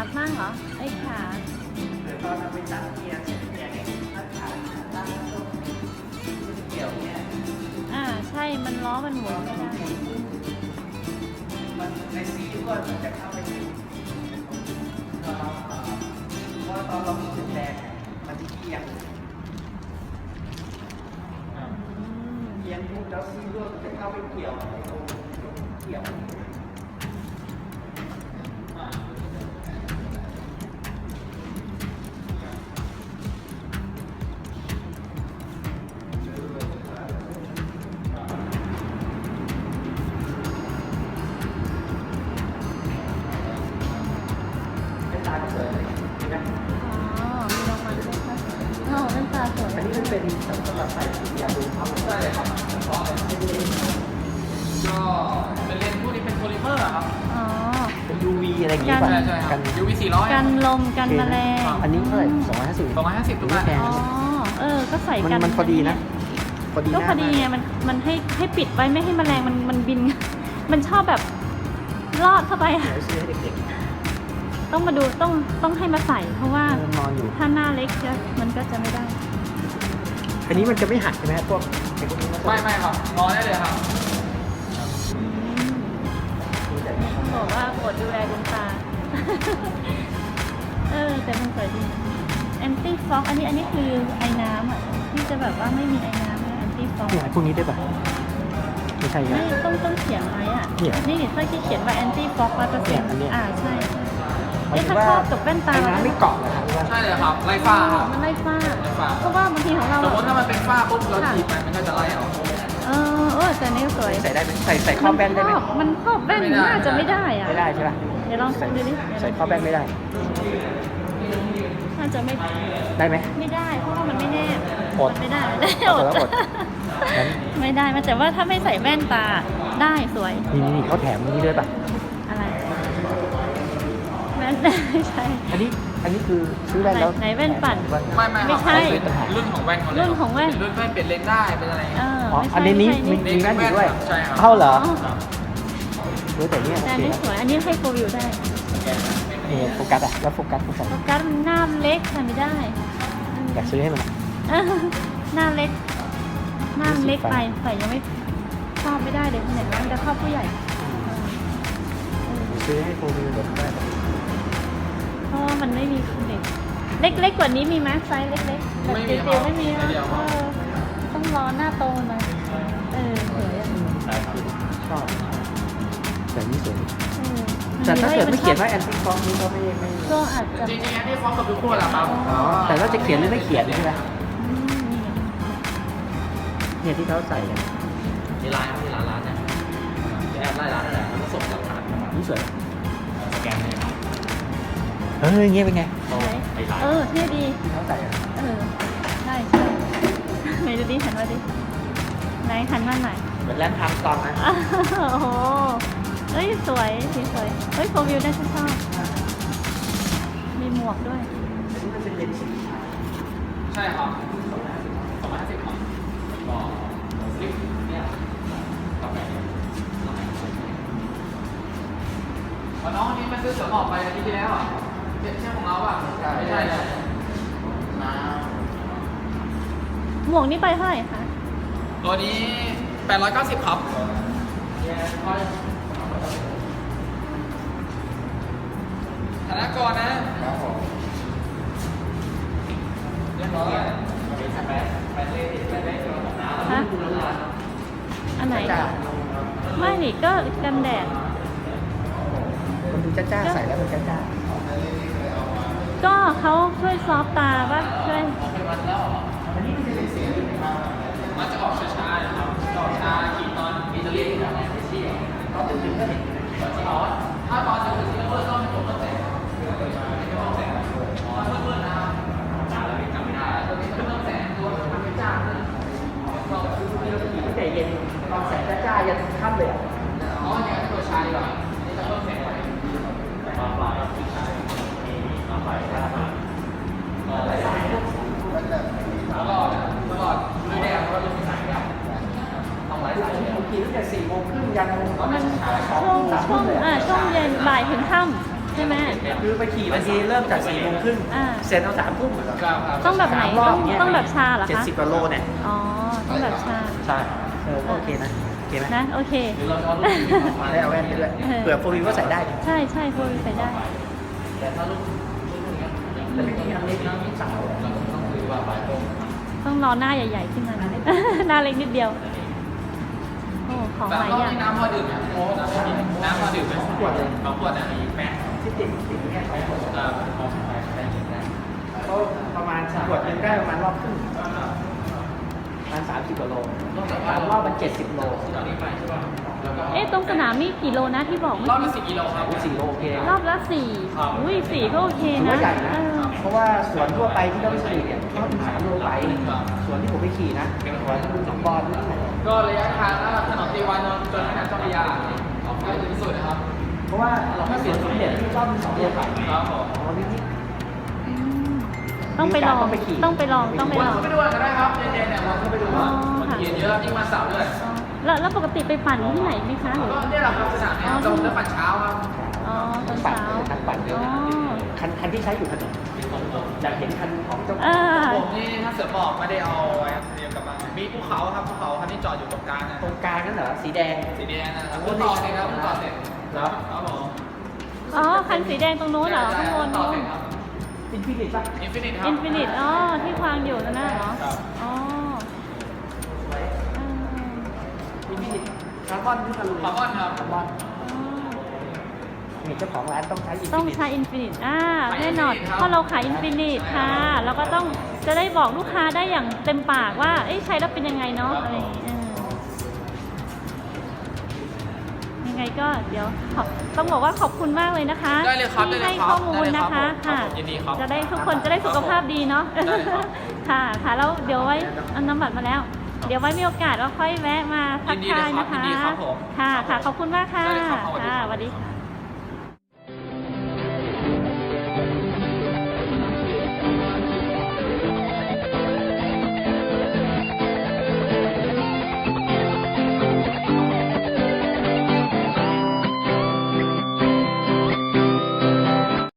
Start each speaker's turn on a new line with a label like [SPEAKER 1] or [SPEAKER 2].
[SPEAKER 1] มั่งเหรอไอ้ขา
[SPEAKER 2] เดี๋ยวตอนเราไปตั้งเกียร์เช็คเกียร์เนี่ยถ้าขาตั้งตรงเกี่ยวเนี่ย
[SPEAKER 1] ใช่มันล้อมันหมุนไม่ได้
[SPEAKER 2] มันในซีก็มันจะเข้าไปที่เพราะตอนเราจุดแรงมันจะเอียงเอียงปุ๊บแล้วซีก็จะเข้าไปเกี่ยวในตรงเกี่ยว
[SPEAKER 1] มีรางวัลด้วยค่ะแว่นตาสวย
[SPEAKER 2] อันนี้มันเป็นสำหรับใส่ยาดูครับใช่ครับก็เป็นเลนส์พวกนี้เป็นโพลิเมอร์ครับ
[SPEAKER 1] อ๋อ
[SPEAKER 2] เป็น UV อะไรอย่างเงี้ย
[SPEAKER 1] กัน
[SPEAKER 2] ใช่ครับ UV 400
[SPEAKER 1] กันลมกันแมลง
[SPEAKER 2] อันนี้เท่าไหร่250ถูกไหมแพง
[SPEAKER 1] อ๋อก็ใส่กัน
[SPEAKER 2] มันพอดีนะพอดี
[SPEAKER 1] ก็พอดีไงมันให้ปิดไว้ไม่ให้แมลงมันบิน มันชอบแบบลอดเข้าไป
[SPEAKER 2] เดี๋ยวซื้อให้เด็ก
[SPEAKER 1] ต้องมาดูต้องให้มาใส่เพราะว่า
[SPEAKER 2] ๆนอนอยู่
[SPEAKER 1] ถ้าหน้าเล็กมันก็จะไม่ได้
[SPEAKER 2] อันนี้มันจะไม่หักใช่ไหมพวกไอ้พวกนี้ไม่ครับนอนได้เลยครับ
[SPEAKER 1] ต้องบอกว่ากดดูแลดวงตา แต่มันสวยดีแอนตี้ฟอกอันนี้คือไอ้น้ำที่จะแบบว่าไม่มีไอ้น้ำแอนตี้ฟอก
[SPEAKER 2] เนี่ยพวกนี้ได้ป่ะไม่ใช่ครับ
[SPEAKER 1] ไม่ต้องเขียนไว้นี่ถ้าที่เขียนว่าแอนตี้ฟอก100%ใช่ถ้าครอบกับแว่นตา
[SPEAKER 2] ไอ้น้ำไม่เกาะนะครับ
[SPEAKER 3] ใช่เลยครับไล่ฝ้าครับ
[SPEAKER 1] มันไล่ฝ้า
[SPEAKER 3] ไล่ฝ้า
[SPEAKER 1] เพราะว่าบางทีของเรา
[SPEAKER 3] สมมติถ้ามันเป็นฝ้าปุ๊บเราฉีดไปมันก็จะไล่ออก
[SPEAKER 1] แต่นี่สวย
[SPEAKER 2] ใส่ได้ไหมใส่ครอบแว่นได้ไหม
[SPEAKER 1] มันครอบแว่นน่าจะไม่ได้อะ
[SPEAKER 2] ไม่ได้ใช่ป่ะ
[SPEAKER 1] เดี๋ยวลองดูดิ
[SPEAKER 2] ใส่ครอบแว่นไม่ได้
[SPEAKER 1] น่าจะไม่
[SPEAKER 2] ได้ไหม
[SPEAKER 1] ไม่ได้เพราะว่ามันไม่แน่
[SPEAKER 2] อด
[SPEAKER 1] ไม่ได้
[SPEAKER 2] เอาแต่ว่าอดงั้น
[SPEAKER 1] ไม่ได้มันแต่ว่าถ้าไม่ใส่แว่นตาได้สวย
[SPEAKER 2] นี่เขาแถมนี้ด้วยป่ะ
[SPEAKER 1] อะไรแว่นไม่ใช่
[SPEAKER 2] อันนี้คือซื้อแว่นแล้ว
[SPEAKER 1] ไหนแว่นปั่น
[SPEAKER 3] ไม่ครับ
[SPEAKER 1] ไม่ใช่
[SPEAKER 3] รุ่นของแว่นเขาเลย
[SPEAKER 1] รุ่นของแว่น
[SPEAKER 3] รุ่นแว่นเปลี่ยนเลนส์ได้เป็นอะไร
[SPEAKER 2] อ๋อ
[SPEAKER 1] ไม่ใช่
[SPEAKER 2] อันนี้
[SPEAKER 1] ไม่
[SPEAKER 2] มี
[SPEAKER 1] ใช่
[SPEAKER 2] มีแว่นอยู่ด้วย
[SPEAKER 3] ใช่ครับ
[SPEAKER 2] เท่าเหรอ
[SPEAKER 1] อ๋อ
[SPEAKER 2] แต่เนี่ย
[SPEAKER 1] แต่
[SPEAKER 2] โอ
[SPEAKER 1] อัน
[SPEAKER 2] เค
[SPEAKER 1] นี้สวยอันนี้ให้โฟวิวได้
[SPEAKER 2] นี่โฟกัสอ่ะแล้วโฟกัส
[SPEAKER 1] โฟกัสมันหน้าเล็กใส่ไม่ได้
[SPEAKER 2] อยากซื้อให้มัน
[SPEAKER 1] หน้าเล็กไปใส่ยังไม่ชอบไม่ได้เลยคนไหนว่ามันจะเข้าผู้ใหญ่
[SPEAKER 2] ซื้อให้โฟวิวเดี๋ยวได้
[SPEAKER 1] เพราะว่ามันไม่มีเด็กเล็กกว่านี้มีไหมไซส์เล็กๆแบบเตียวๆไม่มีนะต้องรอหน้าโตหน่อยสวยอ่ะ
[SPEAKER 2] ชอบแต่นี่สวย
[SPEAKER 1] แต่
[SPEAKER 2] แต่ถ้าเกิดไม่เขียนว่าแอนตี้ฟองนี่ก็ไม่
[SPEAKER 1] ก็อาจจะ
[SPEAKER 3] จริงๆอันนี้ฟ้องกับทุกคนแหละครับ
[SPEAKER 2] อ๋อแต่เราจะเขียนหรือไม่เขียนใช่ไหมเนี่ยที่เขาใส่กัน
[SPEAKER 3] มีร้านเนี่ยแอปไล่ร้านนั่นแหละแล้วก็ส่งหลักฐาน
[SPEAKER 2] นี่สวย
[SPEAKER 3] สแกนให้ครับ
[SPEAKER 2] เงี้ยเป็นไง
[SPEAKER 1] เท่ดี
[SPEAKER 2] ที่เขาใส่อะ
[SPEAKER 1] ใช่ไหนดูดิหันมาดิไหนหันมาไหน
[SPEAKER 2] เหมือนแลนด์ทางตองนะ
[SPEAKER 1] โอ้โหสวยสีสวยโฟวิวน่าจะชอบมีหมวกด้วย
[SPEAKER 2] นี่มันเป็นเลนส์สี
[SPEAKER 3] ใช่ครับ250ครับก็ลิฟต์เนี่ยต่อไปน้องคนนี้มาซื้อเสือหมอบไปอาทิตย์ที่แล้วอ่ะใช่ของเราอ่ะไม่ใช่เลย
[SPEAKER 1] หมวกนี่ไปเท่าไหร่คะ
[SPEAKER 3] ตัวนี้890ครับธนากรนะเรียบร้อย
[SPEAKER 1] ฮะอันไหนไม่นี่ก็กันแดด
[SPEAKER 2] มันดูจ้าๆใส่แล้วมันจ้า
[SPEAKER 1] ก็เขาช่วยซอฟต์ตาป่ะช่วย
[SPEAKER 3] มันจะออกช้าๆนะครับออกช้าขีดตอนอิตาลีถ้าตอนจะถึงที่เราต้องให้ผมต้องแต่งไม่ต้องแต่งเพื่อนๆนะครับจำไม่ได้ตัวนี้ไม่ต้องแต่งตัวมันไม่จ้าเลย
[SPEAKER 2] ๆแต่เย็นตอนแสงจ้าๆยันค่ำเลยอ่ะ
[SPEAKER 3] อ๋ออย่างนี้ตัวชายดีกว่านี่จะเพิ่มแสงไว้มาปลายที่ชายมาปลายได้มาตลอดด้วยแดงเพราะเราเป็นสายดำต้องไล่สาย
[SPEAKER 2] ผมกินตั้งแต่4 โมงครึ่งยัน
[SPEAKER 3] มัน
[SPEAKER 1] ช่วงเย็นบ่ายถึงค่ำใช่ไหม
[SPEAKER 2] คือไปขี่บางทีเริ่มจาก4 โมงครึ่ง
[SPEAKER 1] อ่า
[SPEAKER 2] เสร็จเอา3 ทุ่ม
[SPEAKER 3] ครับ
[SPEAKER 1] ต้องแบบไหน
[SPEAKER 2] 3 รอบเงี้ย
[SPEAKER 1] ต้องแบบชาเหรอคะ
[SPEAKER 2] 70 กว่าโลเนี่ย
[SPEAKER 1] อ๋อ ต้องแบบชา
[SPEAKER 2] ใช่ก็โอเคนะโอเคไหม
[SPEAKER 1] นะ โอเค
[SPEAKER 3] หรือเราจะเอาลูกนี้ออกมา
[SPEAKER 2] ได้เอาแว่นไปด้วยเผื่อโฟวิวก็ใส่ได้
[SPEAKER 1] ใช่ใช่โฟวิวใส่ได้
[SPEAKER 3] แต่ถ้าลูกเนี้ย
[SPEAKER 2] แต่ไม่ต้องยังเล็กนะลูกสาว
[SPEAKER 3] เราต้องซื้อว่าปลายตรง
[SPEAKER 1] ต้องรอหน้าใหญ่ๆขึ้นมานะ หน้าเล็กนิดเดียว โอ้ ของ
[SPEAKER 3] แต่
[SPEAKER 1] หลาย
[SPEAKER 3] รอบ
[SPEAKER 1] อย่าง
[SPEAKER 3] นี้น้ำพอดื่มนะโอ้น้ำพอดื่มไหม2 ขวดเลย2 ขวดนะอีกแม่
[SPEAKER 2] ที่ติดแค่2 ขวด
[SPEAKER 3] ของใช้ได้กินได้
[SPEAKER 2] ก็ประมาณขวดหนึงได้ประมาณรอบครึ่งประมาณ30 กว่าโล3 รอบมัน70 โล
[SPEAKER 3] ตอนนี้ไปใช่ป่ะแล้วก็
[SPEAKER 1] เอ๊ะ ตรงสนามมีกี่โลนะที่บอก
[SPEAKER 3] รอบละ10 กิโลครับ
[SPEAKER 2] 4 โลโอเค
[SPEAKER 1] รอบละสี่
[SPEAKER 3] ครับ
[SPEAKER 1] อุ้ย4ก็โอเค
[SPEAKER 2] ถือ
[SPEAKER 1] นะ
[SPEAKER 2] ว่าใหญ่นะ
[SPEAKER 1] เออ
[SPEAKER 2] เพราะว่าสวนทั่วไปที่เราไปขี่เนี่ยเขาถึง3 โลไปสวนที่ผมไปขี่นะสวนที่หนองบอลนี่ไหน
[SPEAKER 3] ก็ระยะทางตั้งแต่ถนนตีวานนท์จนแม่น้ำเจ้าพระยาออกไปถึงที่สุดนะครับ
[SPEAKER 2] เพราะว่าถ้าสวนสมเด็จที่รอบมี2 โลไป
[SPEAKER 3] ครับผม
[SPEAKER 2] อ๋อนี่
[SPEAKER 1] อืมต้องไปลอง
[SPEAKER 2] ต้องไปขี่
[SPEAKER 1] ต้องไปลอง ต้องไป
[SPEAKER 3] วัน
[SPEAKER 1] ลอง
[SPEAKER 3] เข้าไปดูกันได้ครับเย็นๆเนี่ยวันเข้าไปดูว่าคนเย็นเยอะยิ่งวันเสาร์ด้วย
[SPEAKER 1] อ๋อแล้วปกติไปปั่นที่ไหนไหมคะหรือ
[SPEAKER 3] ก็เนี่ยแหละครับสนามเนี่ยตรงเรื่องปั่นเช้าครับ
[SPEAKER 1] อ๋อตอน
[SPEAKER 2] ปั่น
[SPEAKER 1] เช้า
[SPEAKER 2] คันปั่นเยอะ
[SPEAKER 1] อ๋
[SPEAKER 2] นะ
[SPEAKER 1] อ
[SPEAKER 2] คันที่ใช้อยู่ถนนอยากเห็นคันของเจ้า
[SPEAKER 1] อ่า
[SPEAKER 3] ผมนี่ถ้าเสือบอกไม่ได้เอาไว้เรียงกับมันมีภูเขาครับภูเขาคันที่จอดอยู่ตรงกลางนะ
[SPEAKER 2] ตรงกลางนั่นเหรอสีแดง
[SPEAKER 3] สีแดงนะครับเพิ่งต่อเสร็จครับเพิ่งต่อเสร็จ
[SPEAKER 2] ครับ
[SPEAKER 3] ครับผม
[SPEAKER 1] อ๋อ คันสีแดงตรงโน้นเหรอ ข้างบน
[SPEAKER 3] ต่อ
[SPEAKER 1] นู้
[SPEAKER 3] เสร็
[SPEAKER 1] น
[SPEAKER 3] จครับ
[SPEAKER 2] อินฟินิตป่ะ
[SPEAKER 3] อินฟินิตครับ
[SPEAKER 1] อินฟินิตอ๋อ ที่วางอยู่นั่นน่ะเหรอ
[SPEAKER 3] ครับ
[SPEAKER 1] อ๋อเออ
[SPEAKER 2] อินฟินิตคาร์บอนที่ทะลุ
[SPEAKER 3] คาร์บอนครับ
[SPEAKER 2] คาร์บอน
[SPEAKER 1] อ๋อ
[SPEAKER 2] นี่เจ้าของร้านต้องใช้อินฟินิต
[SPEAKER 1] ต้องใช้อินฟินิตแน่นอน
[SPEAKER 3] ครับ
[SPEAKER 1] เพราะเราขายอินฟินิตค่ะ แล้วก็ต้องจะได้บอกลูกค้าได้อย่างเต็มปากว่า เอ้ยใช้แล้วเป็นยังไงเนาะ อะไรอย่างงี้ยังไงก็เดี๋ยวต้องบอกว่าขอบคุณมากเลยนะคะ
[SPEAKER 3] ได้เลยครับ
[SPEAKER 1] ที่
[SPEAKER 3] ได้เล
[SPEAKER 1] ให้
[SPEAKER 3] ยครับ
[SPEAKER 1] ข้อมูลนะคะ
[SPEAKER 3] ได้เลยครับ
[SPEAKER 1] ค่ะ
[SPEAKER 3] ผมยินดีครับ
[SPEAKER 1] จะได้ทุกคนจะได้สุขภาพดีเนาะ
[SPEAKER 3] ได้เลยครับ
[SPEAKER 1] ค่ะค่ะแล้วเดี๋ยวไว้เอาน้ำบัตรมาแล้ว เดี๋ยวไว้มีโอกาสเราค่อยแวะมาทักทายนะคะ
[SPEAKER 3] ยินดีเลยครับยินดีครับผม
[SPEAKER 1] ค่ะค่ะขอบคุณมากค่ะ
[SPEAKER 3] ได้เลยครับสวัสดี
[SPEAKER 1] ค่ะ
[SPEAKER 3] ครับ
[SPEAKER 1] สวัสดีค่ะ